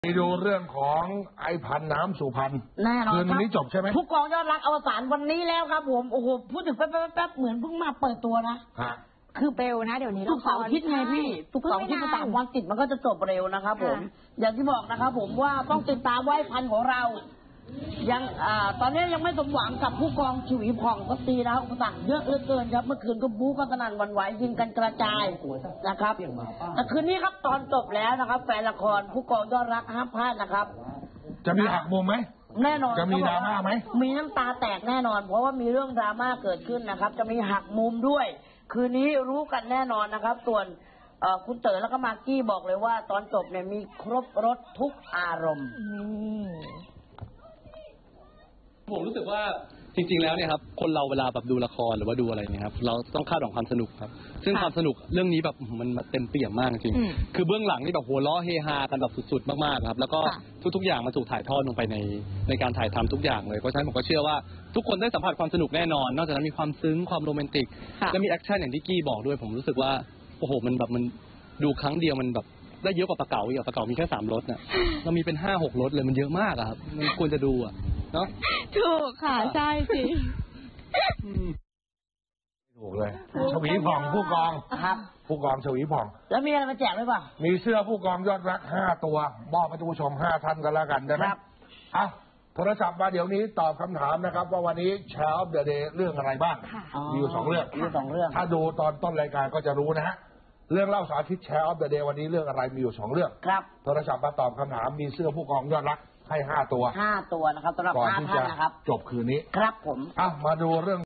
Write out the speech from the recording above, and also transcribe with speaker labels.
Speaker 1: ไปดูเรื่องของไอพันน้ำสุพรรณ
Speaker 2: แน่นอน
Speaker 1: คืนวันนี้จบใช่ไหม
Speaker 2: ผู้กองยอดรักอวสานวันนี้แล้วครับผมโอ้โหพูดถึงแป๊บเหมือนเพิ่งมาเปิดตัวนะ
Speaker 3: คือเร็วนะเดี๋ยวนี้
Speaker 2: ทุกเสาร์อาทิตย์ไงพี่ทุกเสาร์อาทิตย์3 วันติดมันก็จะจบเร็วนะครับผมอย่างที่บอกนะครับผมว่าต้องติดตามไว้พันของเรายังตอนนี้ยังไม่สมหวังกับผู้กองฉุยผ่องก็ตีนะครับอุปสรรคเยอะเหลือเกินครับเมื่อคืนก็บู๊กันสนั่นหวั่นไหวยิงกันกระจายนะครับแต่คืนนี้ครับตอนจบแล้วนะครับแฟนละครผู้กองยอดรักห้ามพลาดนะครับ
Speaker 1: จะมีหักมุมไหม
Speaker 2: แน่นอน
Speaker 1: จะมีดราม่าไหม
Speaker 2: มีน้ำตาแตกแน่นอนเพราะว่ามีเรื่องดราม่าเกิดขึ้นนะครับจะมีหักมุมด้วยคืนนี้รู้กันแน่นอนนะครับส่วนคุณเต๋อแล้วก็มากกี้บอกเลยว่าตอนจบเนี่ยมีครบรสทุกอารมณ์
Speaker 4: ผมรู้สึกว่าจริงๆแล้วเนี่ยครับคนเราเวลาแบบดูละครหรือว่าดูอะไรเนี่ยครับเราต้องคาดหวังความสนุกครับซึ่งความสนุกเรื่องนี้แบบมันเต็มเปี่ยมมากจริงคือเบื้องหลังนี่แบบหัวล้อเฮฮากันแบบสุดๆมากๆครับแล้วก็ทุกๆอย่างมันถูกถ่ายทอดลงไปในการถ่ายทำทุกอย่างเลยเพราะฉะนั้นผมก็เชื่อว่าทุกคนได้สัมผัสความสนุกแน่นอนนอกจากนั้นมีความซึ้งความโรแมนติกและมีแอคชั่นอย่างที่กี้บอกด้วยผมรู้สึกว่าโอ้โหมันแบบมันดูครั้งเดียวมันแบบได้เยอะกว่าปลาเก๋าอีกปลาเก๋ามีแค่3 รสน่ะเรามีเป็น5-6 รสเลยมันเยอะมากครับมันควรจะดูเนาะ
Speaker 3: ถูกค่ะใช่สิ
Speaker 1: ถูกเลยชวีผ่องผู้กอง
Speaker 2: ครับ
Speaker 1: ผู้กองชวีผ่อง
Speaker 2: แล้วมีอะไรมาแจกหรือเปล่า
Speaker 1: มีเสื้อผู้กองยอดรัก5 ตัวมอบให้ทุกผู้ชม5 ท่านกันแล้วกันได้ไหมครับโทรศัพท์มาเดี๋ยวนี้ตอบคำถามนะครับว่าวันนี้เช้าเดอะเดย์เรื่องอะไรบ้างมีอยู่2 เรื่องถ้าดูตอนต้นรายการก็จะรู้นะฮะเรื่องเล่าสาธิตแชร์ออฟเดอะเดย์วันนี้เรื่องอะไรมีอยู่2 เรื่อง
Speaker 2: ครับ
Speaker 1: โทรศัพท์มาตอบคำถามมีเสื้อผู้กองยอดรักให้5 ตัว
Speaker 2: นะครับสำหรับ5 ท่านนะครับ
Speaker 1: จบคืนนี้
Speaker 2: ครับผม
Speaker 1: มาดูเรื่อง